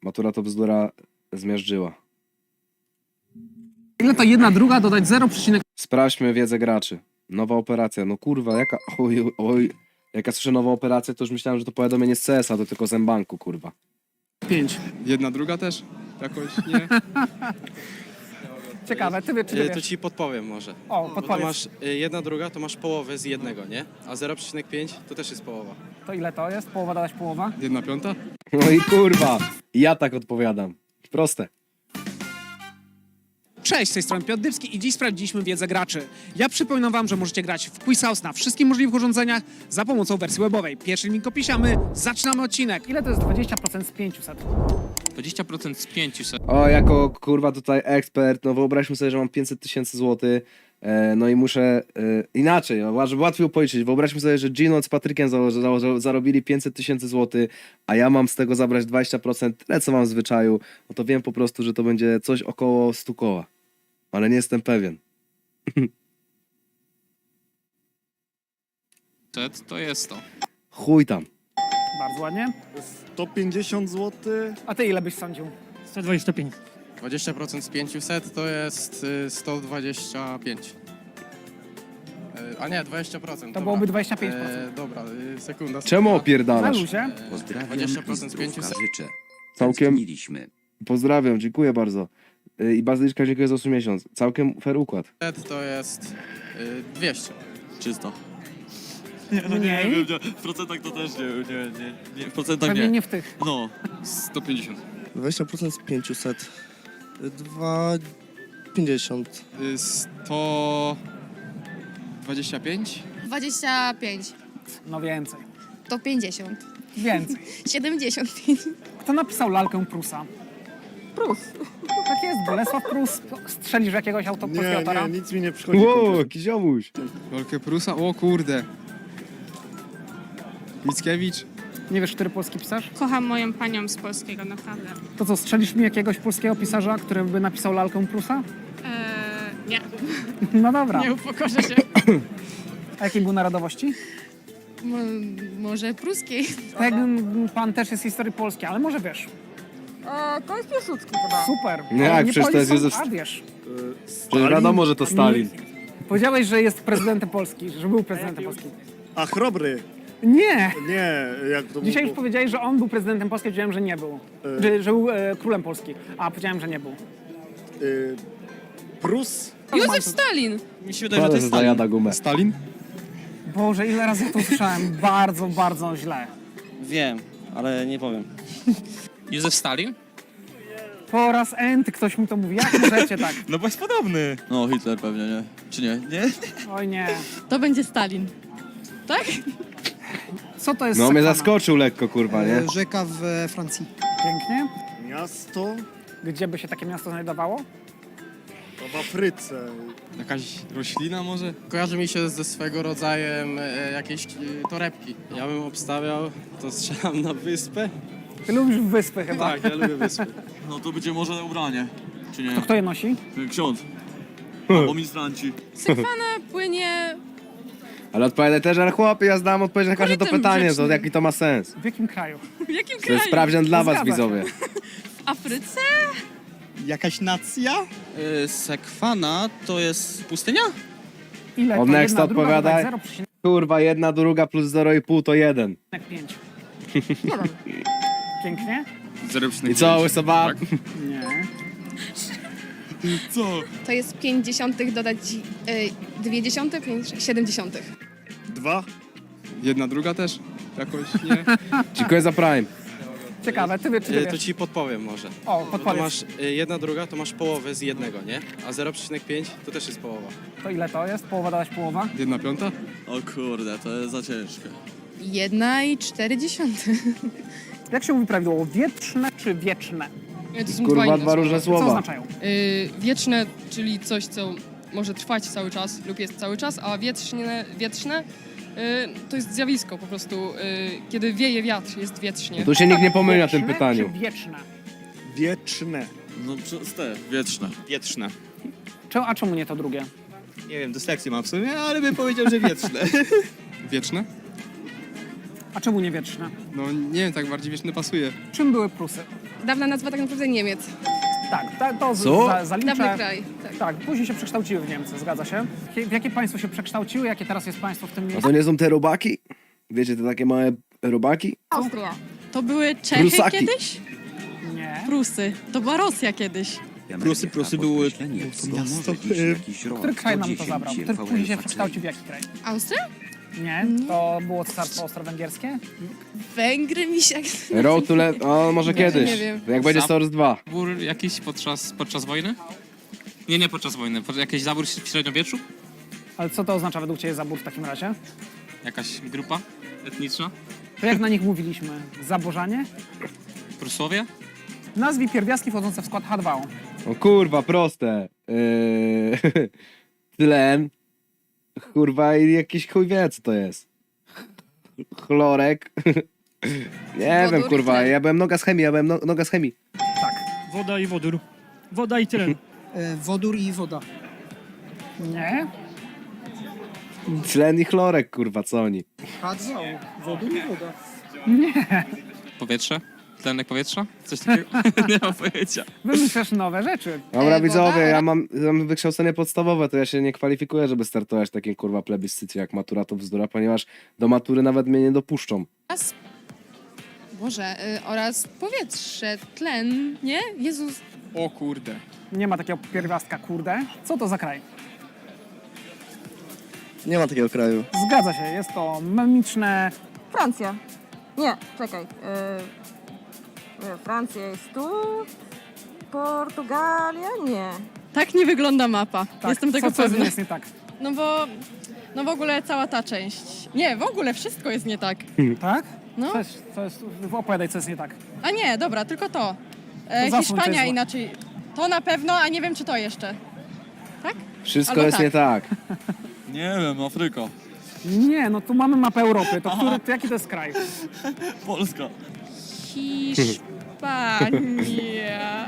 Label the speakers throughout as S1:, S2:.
S1: Matura to bzdura zmiażdżyła.
S2: Ile to 1/2 dodać 0,5?
S1: Sprawdźmy wiedzę graczy. Nowa operacja. No kurwa, jaka... Oj. Jak ja słyszę nową operację, to już myślałem, że to powiadomienie z CS-a, to tylko z M-Banku, kurwa.
S2: 5.
S3: 1/2 też? Jakoś nie?
S2: Ciekawe, ty wiesz, czy ty
S4: To
S2: wiesz?
S4: ci podpowiem może.
S2: O,
S4: Bo to
S2: podpowiedz.
S4: masz 1/2 to masz połowę z jednego, nie? A 0,5 to też jest połowa.
S2: To ile to jest? Połowa dodać połowa?
S3: 1/5?
S1: No i kurwa, ja tak odpowiadam. Proste.
S2: Cześć, z tej strony Piotr Dybski i dziś sprawdziliśmy wiedzę graczy. Ja przypominam wam, że możecie grać w Quiz House na wszystkich możliwych urządzeniach za pomocą wersji webowej. Pierwszy link opiszemy, zaczynamy odcinek. Ile to jest 20% z 500?
S5: 20% z 500.
S1: O, jako kurwa tutaj ekspert, no wyobraźmy sobie, że mam 500 000 złotych, no i muszę inaczej, no, żeby łatwiej policzyć. Wyobraźmy sobie, że Gino z Patrykiem zarobili 500 000 złotych, a ja mam z tego zabrać 20%, tyle co mam w zwyczaju, no to wiem po prostu, że to będzie coś około 100 koła. Ale nie jestem pewien.
S5: To jest to.
S1: Chuj tam.
S2: Bardzo ładnie.
S6: 150 zł.
S2: A ty ile byś sądził?
S7: 125.
S4: 20% z 500 to jest 125. A nie, 20%.
S2: To byłoby 25%.
S4: Dobra, sekunda.
S1: Czemu
S2: Na
S1: opierdalasz?
S2: luzie.
S8: Pozdrawiam
S4: 20%
S8: i
S4: z 500.
S8: zdrówka życzę.
S1: Całkiem,
S8: Tęskniliśmy.
S1: pozdrawiam, dziękuję bardzo. I bazyliczka dziękuję za 8 miesiąc. Całkiem fair układ.
S4: To jest 200.
S9: 300.
S2: Mniej?
S9: W procentach to też nie. W procentach
S2: Pewnie
S9: nie.
S2: nie w tych.
S9: No.
S3: 150.
S6: 20% z 500. 2,50.
S3: 125?
S10: 25,
S2: No więcej.
S10: to 50,
S2: Więcej.
S10: 75.
S2: Kto napisał lalkę Prusa? Prus. Tak jest, Bolesław Prus. Strzelisz w jakiegoś polskiego autora?
S6: nic mi nie przychodzi.
S1: Wow, jakiś ziomuś.
S3: Rolkę Prusa? O kurde. Mickiewicz?
S2: Nie wiesz, który polski pisarz?
S11: Kocham moją panią z polskiego, naprawdę.
S2: To co, strzelisz mi jakiegoś polskiego pisarza, który by napisał lalkę Prusa?
S11: Nie,
S2: No dobra.
S11: nie upokorzę się.
S2: A jakiej był narodowości?
S10: Może pruskiej.
S2: Ten pan też jest z historii polskiej, ale może wiesz.
S11: To jest Piłsudski chyba.
S2: Super.
S1: Nie,
S2: Ale
S1: jak przecież to
S2: Poli
S1: jest
S2: są-
S1: Józef...
S2: A wiesz,
S1: Przecież wiadomo, że to Stalin.
S2: powiedziałeś, że jest prezydentem Polski, że był prezydentem Polski.
S6: A chrobry.
S2: Nie!
S6: Nie, jak to
S2: Dzisiaj już
S6: było?
S2: powiedziałeś, że on był prezydentem Polski, powiedziałem, że nie był. Że był królem Polski, a powiedziałem, że nie był.
S6: Prus.
S10: Józef Stalin.
S9: Mi się wydaje, że to
S1: Ale
S9: jest
S1: zajada gumę.
S3: Stalin?
S2: Boże, ile razy ja to słyszałem. Bardzo, bardzo źle.
S9: Wiem, ale nie powiem.
S5: Józef Stalin?
S2: Po raz enty ktoś mi to mówi. Jak możecie tak?
S9: No bo jest podobny. No Hitler pewnie, nie? Czy nie? Nie?
S2: Oj nie.
S10: To będzie Stalin. Tak?
S2: Co to jest
S1: No mnie
S2: Sekwena?
S1: zaskoczył lekko, kurwa, nie?
S7: Rzeka w Francji.
S2: Pięknie.
S6: Miasto.
S2: Gdzie by się takie miasto znajdowało?
S6: To w Afryce.
S3: Jakaś roślina może?
S4: Kojarzy mi się ze swego rodzajem jakieś torebki. Ja bym obstawiał, to strzelam na wyspę.
S2: Ty lubisz wyspy chyba.
S4: Tak, ja lubię wyspy.
S9: No to będzie może ubranie. Czy nie?
S2: To kto je nosi?
S9: Ksiądz. Albo ministranci.
S10: Sekwana płynie...
S1: Ale odpowiadaj też, ale chłopie, ja znam odpowiedź na każde to
S10: Korytem
S1: pytanie, to
S10: rzecznym.
S1: jaki to ma sens.
S2: W jakim kraju?
S10: W jakim
S1: To jest
S10: kraju?
S1: sprawdzian dla was,
S2: Zgadza się.
S1: widzowie.
S10: W Afryce?
S6: Jakaś nacja?
S9: Sekwana to jest pustynia?
S2: Ile
S1: Od
S2: to?
S1: next
S2: 1/2
S1: odpowiadaj.
S2: dodać 0,5.
S1: Kurwa, 1/2 plus 0,5 to 1.
S2: 5. Pięknie?
S3: 0,5.
S1: I co, łysoba?
S3: Tak?
S2: Nie.
S9: Co?
S10: To jest 50 dodać 0,2, 70.
S6: 2.
S3: 1/2 też? Jakoś nie?
S1: Dziękuję za Prime.
S2: Ciekawe, ty wiesz, czy ty
S4: To
S2: wiesz?
S4: ci podpowiem może.
S2: O,
S4: To
S2: podpowiedz.
S4: masz 1/2 to masz połowę z jednego, nie? A 0,5 to też jest połowa.
S2: To ile to jest? Połowa dodać połowa?
S3: 1/5?
S9: O kurde, to jest za ciężkie.
S10: 1,4.
S2: Jak się mówi prawidłowo? Wietrzne czy wieczne?
S10: To są
S1: Kurwa, dwa różne
S2: Co
S1: słowa.
S2: oznaczają?
S10: Wieczne, czyli coś, co może trwać cały czas lub jest cały czas, a wietrzne to jest zjawisko po prostu. Kiedy wieje wiatr, jest wietrznie.
S1: Tu się nikt nie pomyli na tym
S2: Wieczne
S1: pytaniu.
S2: Czy wieczne?
S6: Wieczne.
S9: No przez te, wietrzne.
S7: Wietrzne.
S2: A czemu nie to drugie?
S7: Nie wiem, dyslekcję mam w sumie, ale bym powiedział, że wietrzne.
S3: Wieczne?
S2: A czemu nie wieczne?
S3: No nie wiem, tak bardziej wieczne pasuje.
S2: Czym były Prusy?
S10: dawna nazwa tak naprawdę Niemiec.
S2: Tak, to
S1: Co?
S2: zaliczę.
S10: Dawny kraj. Tak.
S2: Tak, później się przekształciły w Niemcy, zgadza się. W jakie państwo się przekształciły, jakie teraz jest państwo w tym
S1: A
S2: miejscu?
S1: to nie są te robaki? Wiecie, te takie małe robaki?
S11: Austria.
S8: To były Czechy
S1: Prusaki.
S8: kiedyś?
S2: Nie.
S8: Prusy. To była Rosja kiedyś.
S7: Prusy były...
S2: Który kraj nam to zabrał? Który później się przekształcił w jaki kraj?
S10: Austria?
S2: Nie, to było Cesarstwo Austro-Węgierskie?
S10: Węgry mi się...
S1: Road to o, może kiedyś.
S10: nie wiem.
S1: Jak będzie Star Wars 2.
S5: Zabór jakiś podczas wojny? Nie podczas wojny. Jakiś zabór w średniowieczu?
S2: Ale co to oznacza według Ciebie zabór w takim razie?
S5: Jakaś grupa etniczna?
S2: To jak na nich mówiliśmy? Zaborzanie?
S5: Prusowie?
S2: Nazwij pierwiastki wchodzące w skład H2O.
S1: O kurwa, proste. Tlen. Kurwa i jakiś chuj wie co to jest. Chlorek. Nie
S10: Wodór
S1: wiem
S10: i
S1: kurwa,
S10: tlen.
S1: ja byłem noga z chemii, noga z chemii.
S7: Woda i wodór. Woda i tlen.
S8: Wodór i woda.
S2: Nie?
S1: Tlen i chlorek kurwa, co oni?
S8: Wodór i woda.
S5: Powietrze? Tlenek powietrza? Coś takiego? Nie mam pojęcia.
S2: Wymyślasz nowe rzeczy.
S1: Dobra widzowie,
S10: woda,
S1: ja mam wykształcenie podstawowe, to ja się nie kwalifikuję, żeby startować w takim kurwa plebiscycie jak matura to bzdura, ponieważ do matury nawet mnie nie dopuszczą.
S10: Boże, oraz powietrze, tlen, nie? Jezus.
S3: O kurde.
S2: Nie ma takiego pierwiastka, kurde. Co to za kraj?
S7: Nie ma takiego kraju.
S2: Zgadza się, jest to memiczne...
S11: Francja. Nie, czekaj. Francja jest tu. Portugalia? Nie.
S8: Tak nie wygląda mapa.
S2: Tak,
S8: Jestem tego
S2: co z nim
S8: pewna.
S2: jest nie tak?
S8: No w ogóle cała ta część. Nie, w ogóle wszystko jest nie tak.
S2: Tak?
S8: No.
S2: Co jest, opowiadaj, co jest nie tak.
S8: A nie, dobra, tylko to.
S2: zasłoń, to
S8: Hiszpania
S2: jest złe.
S8: inaczej. To na pewno, a nie wiem czy to jeszcze. Tak?
S1: Wszystko
S8: Albo
S1: jest
S8: tak.
S1: nie tak.
S9: Nie wiem, Afryka.
S2: Nie, no tu mamy mapę Europy. To to jaki to jest kraj?
S9: Polska.
S10: Hiszpania.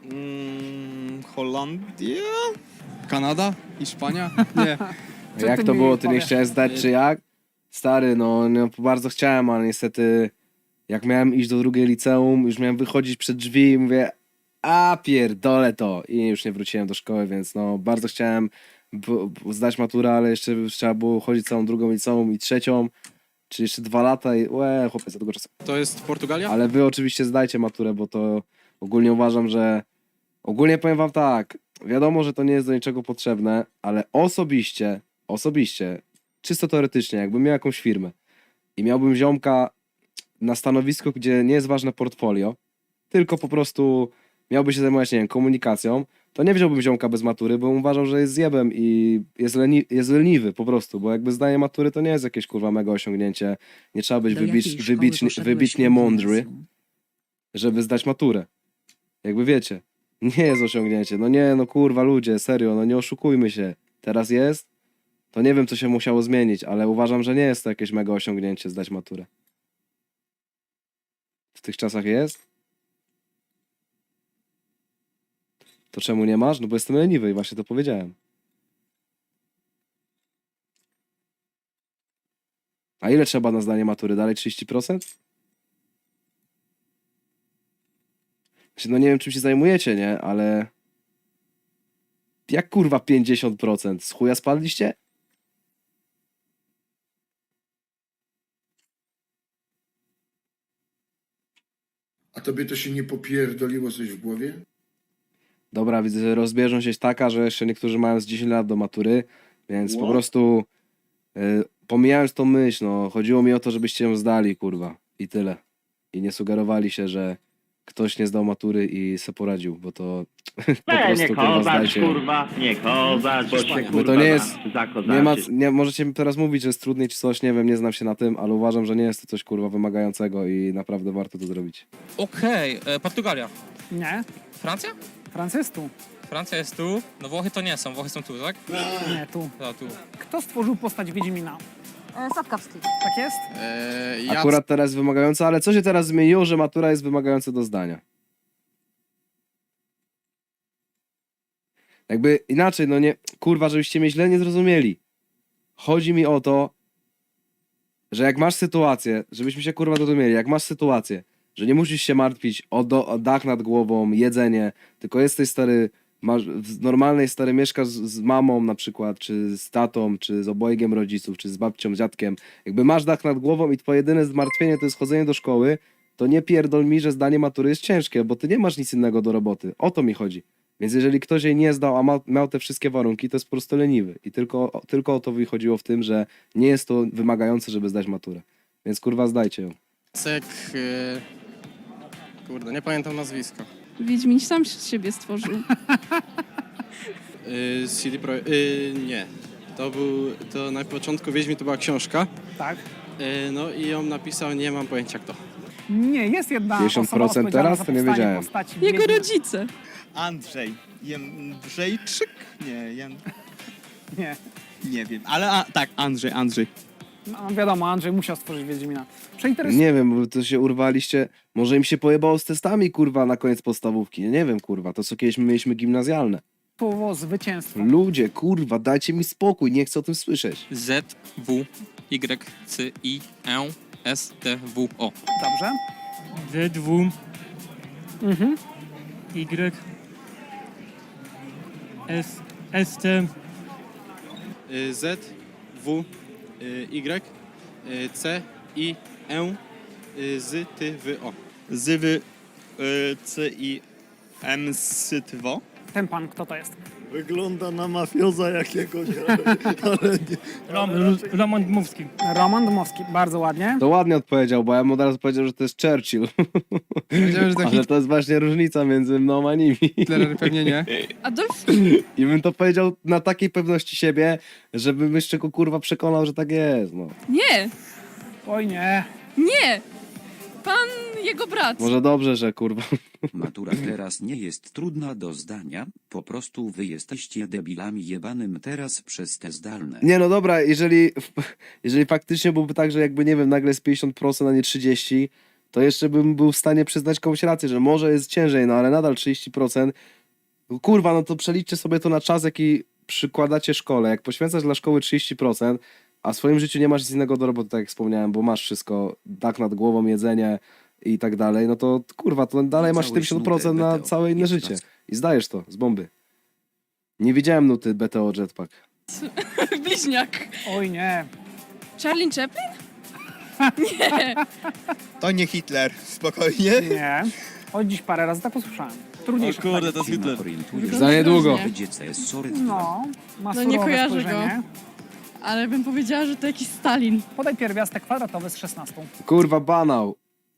S3: Holandia? Kanada? Hiszpania? Nie.
S2: Co
S1: Jak
S2: ty
S1: to
S2: mi
S1: było, ty nie
S2: powiesz?
S1: chciałeś zdać czy jak? Stary, no bardzo chciałem, ale niestety jak miałem iść do drugiej liceum, już miałem wychodzić przed drzwi i mówię, a pierdolę to i już nie wróciłem do szkoły, więc no bardzo chciałem zdać maturę, ale jeszcze trzeba było chodzić całą drugą liceum i trzecią, czy jeszcze 2 lata i chłopie, za długo czasu.
S3: To jest Portugalia?
S1: Ale wy oczywiście zdajcie maturę, bo to ogólnie uważam, że ogólnie powiem wam tak, wiadomo, że to nie jest do niczego potrzebne, ale osobiście, czysto teoretycznie, jakbym miał jakąś firmę i miałbym ziomka na stanowisku, gdzie nie jest ważne portfolio, tylko po prostu miałby się zajmować, nie wiem, komunikacją, to nie wziąłbym ziomka bez matury, bo uważam, że jest zjebem i jest leniwy po prostu, bo jakby zdanie matury to nie jest jakieś kurwa mega osiągnięcie, nie trzeba być wybitnie mądry, żeby zdać maturę. Jakby wiecie, nie jest osiągnięcie, no nie, no kurwa ludzie, serio, no nie oszukujmy się, teraz jest, to nie wiem co się musiało zmienić, ale uważam, że nie jest to jakieś mega osiągnięcie zdać maturę. W tych czasach jest? To czemu nie masz? No bo jestem leniwy i właśnie to powiedziałem. A ile trzeba na zdanie matury? Dalej 30%? Znaczy, no nie wiem czym się zajmujecie, nie? Ale... Jak kurwa 50%? Z chuja spadliście?
S12: A tobie to się nie popierdoliło coś w głowie?
S1: Dobra, widzę, że rozbieżność jest taka, że jeszcze niektórzy mają z 10 lat do matury, więc po
S12: What?
S1: prostu pomijając tą myśl, no chodziło mi o to, żebyście ją zdali, kurwa. I tyle. I nie sugerowali się, że ktoś nie zdał matury i se poradził, bo to po prostu, kurwa, zdajcie.
S7: nie kozać, bo się
S1: Bo to nie jest, nie możecie teraz mówić, że jest trudniej czy coś, nie wiem, nie znam się na tym, ale uważam, że nie jest to coś, kurwa, wymagającego i naprawdę warto to zrobić.
S5: Okej, Portugalia.
S2: Nie.
S5: Francja?
S2: Francja jest tu.
S5: Francja jest tu. No Włochy to nie są, Włochy są tu, tak?
S2: Nie, tu.
S5: No, tu.
S2: Kto stworzył postać Wiedźmina?
S11: Sapkowski.
S2: Tak jest?
S1: Akurat teraz jest wymagająca, ale co się teraz zmieniło, że matura jest wymagająca do zdania? Jakby inaczej, no nie, kurwa, żebyście mnie źle nie zrozumieli. Chodzi mi o to, że jak masz sytuację, żebyśmy się kurwa zrozumieli, jak masz sytuację, że nie musisz się martwić o dach nad głową, jedzenie, tylko jesteś stary, masz, w normalnej stary mieszkasz z mamą na przykład, czy z tatą, czy z obojgiem rodziców, czy z babcią, dziadkiem. Jakby masz dach nad głową i twoje jedyne zmartwienie to jest chodzenie do szkoły, to nie pierdol mi, że zdanie matury jest ciężkie, bo ty nie masz nic innego do roboty. O to mi chodzi. Więc jeżeli ktoś jej nie zdał, a miał te wszystkie warunki, to jest po prostu leniwy. I tylko o to wychodziło w tym, że nie jest to wymagające, żeby zdać maturę. Więc kurwa zdajcie ją.
S4: Cek... Kurde, nie pamiętam nazwiska.
S8: Wiedźmin sam siebie stworzył.
S4: CD Projekt... nie. To na początku Wiedźmin to była książka.
S2: Tak.
S4: No i ją napisał, nie mam pojęcia kto.
S2: Nie, jest jedna
S1: 50%
S2: osoba odpowiedzialna
S1: teraz?
S2: za
S1: To nie
S2: powstanie
S1: wiedziałem.
S2: postaci
S8: Jego
S2: Wiedźmina.
S8: rodzice.
S6: Andrzej. Jędrzejczyk? Nie,
S2: Nie.
S6: nie wiem, ale tak, Andrzej.
S2: No, wiadomo, Andrzej musiał stworzyć Wiedźmina. Przeinteresuj
S1: Nie wiem, bo to się urwaliście. Może im się pojebało z testami, kurwa, na koniec podstawówki. Nie wiem, kurwa, to co kiedyś my mieliśmy gimnazjalne.
S2: słowo zwycięstwo.
S1: Ludzie, kurwa, dajcie mi spokój, nie chcę o tym słyszeć.
S5: Z, W, Y, C, I, E, S, T, W, O.
S2: Dobrze.
S7: Z2,
S2: Mhm.
S7: Y, ST,
S4: Z, W, Y, C, I, E, Z, T, W, O.
S6: Zywy CIM-SYTWO.
S2: Ten pan, kto to jest?
S6: Wygląda na mafioza jakiegoś, ale nie.
S7: Roman Dmowski.
S2: Roman Dmowski, bardzo ładnie.
S1: To ładnie odpowiedział, bo ja mu od razu powiedział, że to jest Churchill.
S3: Wiedziałem, że
S1: Ale to jest właśnie różnica między mną a nimi.
S3: Hitler pewnie nie.
S8: Adolf
S1: I bym to powiedział na takiej pewności siebie, żebym jeszcze go kurwa przekonał, że tak jest, no.
S8: Nie,
S2: Oj nie.
S8: nie. Pan jego brat.
S1: Może dobrze, że kurwa.
S13: Matura teraz nie jest trudna do zdania, po prostu wy jesteście debilami jebanym teraz przez te zdalne.
S1: Nie no dobra, jeżeli faktycznie byłby tak, że jakby nie wiem, nagle jest 50%, a nie 30%, to jeszcze bym był w stanie przyznać komuś rację, że może jest ciężej, no ale nadal 30%. Kurwa, no to przeliczcie sobie to na czas, jaki przykładacie szkole. Jak poświęcasz dla szkoły 30%, a w swoim życiu nie masz nic innego do roboty, tak jak wspomniałem, bo masz wszystko, dach nad głową, jedzenie i tak dalej, no to kurwa, to dalej masz
S13: Całe
S1: 70% na
S13: nuty
S1: całe inne
S13: BTO.
S1: życie. I zdajesz to z bomby. Nie widziałem nuty BTO Jetpack.
S8: Bliźniak.
S2: Oj nie.
S8: Charlie Chaplin? Nie.
S6: To nie Hitler, spokojnie.
S2: Nie. Oj, dziś parę razy tak usłyszałem. Trudniejsze
S9: O kurde,
S2: pytanie.
S9: to jest
S13: Nie
S9: Hitler.
S13: orientujesz
S1: Za niedługo.
S13: że dziecko jest sorry.
S2: No, ma
S8: No nie
S2: surowe
S8: kojarzę
S2: spojrzenie.
S8: Ale bym powiedziała, że to jakiś Stalin.
S2: Podaj pierwiastek kwadratowy z 16.
S1: Kurwa, banał.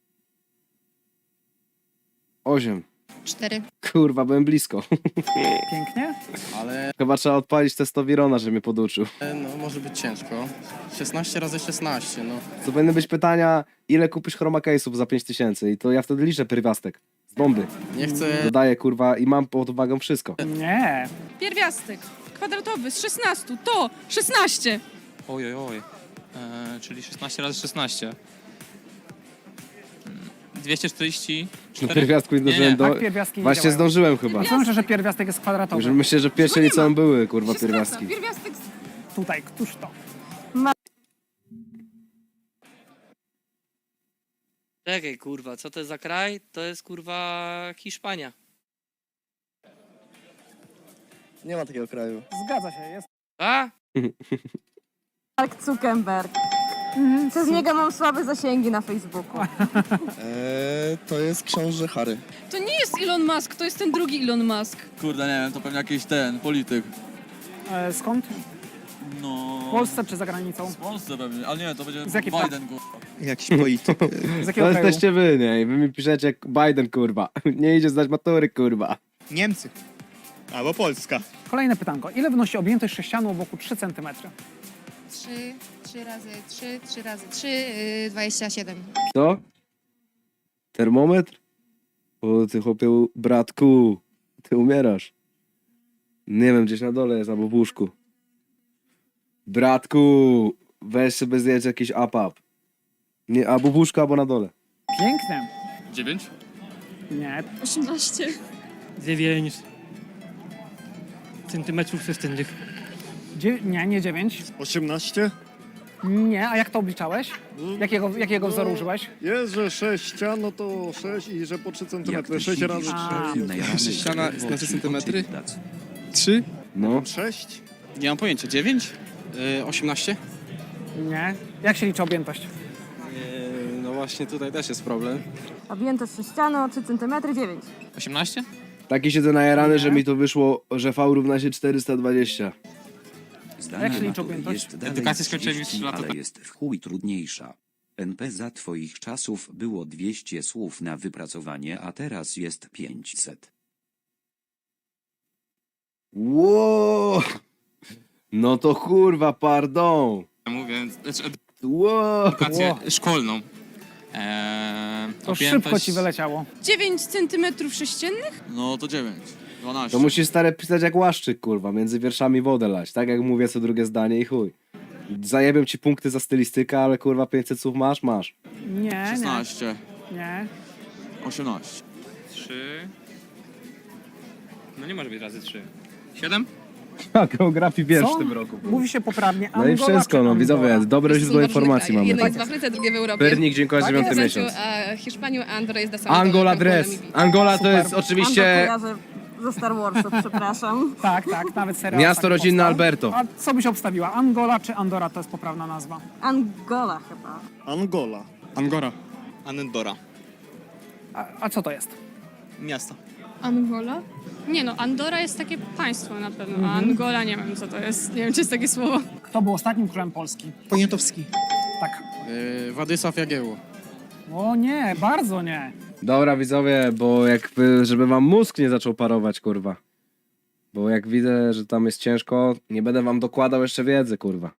S1: 8.
S8: 4.
S1: Kurwa, byłem blisko.
S2: Pięknie.
S4: Ale
S1: Chyba trzeba odpalić testowirona, żeby mnie poduczył.
S4: no może być ciężko. 16 razy 16, no.
S1: To powinny być pytania, ile kupisz chroma case'ów za 5000 i to ja wtedy liczę pierwiastek. Z bomby.
S4: Nie chcę...
S1: Dodaję, kurwa, i mam pod uwagą wszystko.
S2: Nie.
S8: Pierwiastek kwadratowy z 16 to 16.
S5: Oj. Czyli 16 razy 16. 244.
S1: Na pierwiastku nie
S5: Nie,
S1: zdążyłem do...
S2: Tak pierwiastki nie
S1: Właśnie
S2: działają.
S1: zdążyłem chyba.
S2: Słyszę, że pierwiastek jest kwadratowy.
S1: Że myślę, że w pierwszej liceum były, kurwa, pierwiastki.
S8: Pierwiastek
S2: Tutaj, któż to?
S7: Czekaj, kurwa, co to jest za kraj? To jest, kurwa, Hiszpania. Nie ma takiego kraju.
S2: Zgadza się, jest.
S7: A?
S11: Mark Zuckerberg. Przez niego mam słabe zasięgi na Facebooku.
S6: To jest książę Harry.
S8: To nie jest Elon Musk, to jest ten drugi Elon Musk.
S9: Kurde, nie wiem, to pewnie jakiś polityk.
S2: Skąd?
S9: No...
S2: W Polsce czy za granicą?
S9: W Polsce pewnie, ale nie, to będzie
S2: Z jakiej
S9: Biden, kurwa.
S6: Jakiś polityk.
S2: Z jakiego
S1: To
S2: kraju?
S1: jesteście wy, nie? I wy mi piszecie Biden, kurwa. Nie idzie zdać matury, kurwa.
S6: Niemcy. Albo Polska.
S2: Kolejne pytanko. Ile wynosi objętość sześcianu wokół 3 cm?
S8: 3 razy 3, 3 razy 3, 27.
S1: Co? Termometr? O, ty chłopie, bratku. Ty umierasz. Nie wiem, gdzieś na dole jest, albo w łóżku. Bratku, weź sobie zjedz jakiś up. Nie, albo w łóżku, albo na dole.
S2: Pięknie.
S9: 9?
S2: Nie.
S8: 18.
S7: 9 centymetrów sześciennych.
S2: Nie 9.
S6: 18?
S2: Nie, a jak to obliczałeś? Jakiego wzoru użyłeś?
S6: Jest, że 6 ścian, no to 6 i że po 3 cm.
S13: Jak ty
S6: 6 razy
S13: siedzisz
S6: 4.
S13: taki najrany
S3: Ściana
S13: w
S3: znaczy centymetry?
S13: oczy,
S3: 3?
S1: No.
S6: 6?
S4: Nie mam pojęcia, 9? 18?
S2: Nie. Jak się liczy objętość?
S4: No właśnie tutaj też jest problem.
S11: Objętość sześcianu o 3 cm 9.
S5: 18?
S1: Taki siedzę najarany, że mi to wyszło, że V równa się 420.
S13: Zdanie
S2: Jak się liczy
S13: matury
S2: objętość?
S13: jest dalej
S5: Edukację skończyłem już
S13: 30,
S5: 3 lata
S13: ale
S5: temu.
S13: jest w chuj trudniejsza. NP za twoich czasów było 200 słów na wypracowanie, a teraz jest 500.
S1: Ło! No to kurwa, pardon.
S5: Mówię, znaczy
S1: Ło!
S5: edukację szkolną.
S2: To szybko ci wyleciało.
S8: 9 centymetrów sześciennych?
S9: No to 9. 12.
S1: To musisz stare pisać jak łaszczyk, kurwa, między wierszami wodę lać, tak jak mówię co drugie zdanie i chuj. Zajebią ci punkty za stylistykę, ale kurwa 500 słów masz.
S2: Nie,
S9: 16.
S2: nie.
S9: 18.
S5: 3. No nie może być razy 3. 7?
S1: A, geografii wiesz
S2: Co?
S1: w tym roku.
S2: Mówi się poprawnie
S1: No i
S2: Angola
S1: wszystko,
S2: czy
S1: no
S2: Angola?
S1: widzowie, dobre źródło informacji mamy.
S8: Jedno jest w Afryce, drugie w Europie.
S1: Pernik, dziękuję za 9 miesiąc.
S8: Hiszpanią, a Andorra jest na samym
S1: Angola dress. Angola to jest
S11: Andor
S1: oczywiście
S11: kojarzę ze Star Warsów, przepraszam.
S2: Tak, nawet serial.
S1: miasto
S2: tak
S1: rodzinne
S2: powstał.
S1: Alberto.
S2: A co byś obstawiła? Angola czy Andora to jest poprawna nazwa?
S11: Angola chyba.
S6: Angola.
S4: Angora.
S9: Anendora.
S2: A co to jest?
S9: Miasto.
S8: Angola? Nie no, Andora jest takie państwo na pewno, a Angola nie wiem co to jest. Nie wiem, czy jest takie słowo.
S2: Kto był ostatnim królem Polski?
S3: Poniatowski.
S2: Tak.
S4: Władysław Jagiełło.
S2: O nie, bardzo nie.
S1: Dobra widzowie, bo jakby, żeby wam mózg nie zaczął parować, kurwa. Bo jak widzę, że tam jest ciężko, nie będę wam dokładał jeszcze wiedzy, kurwa.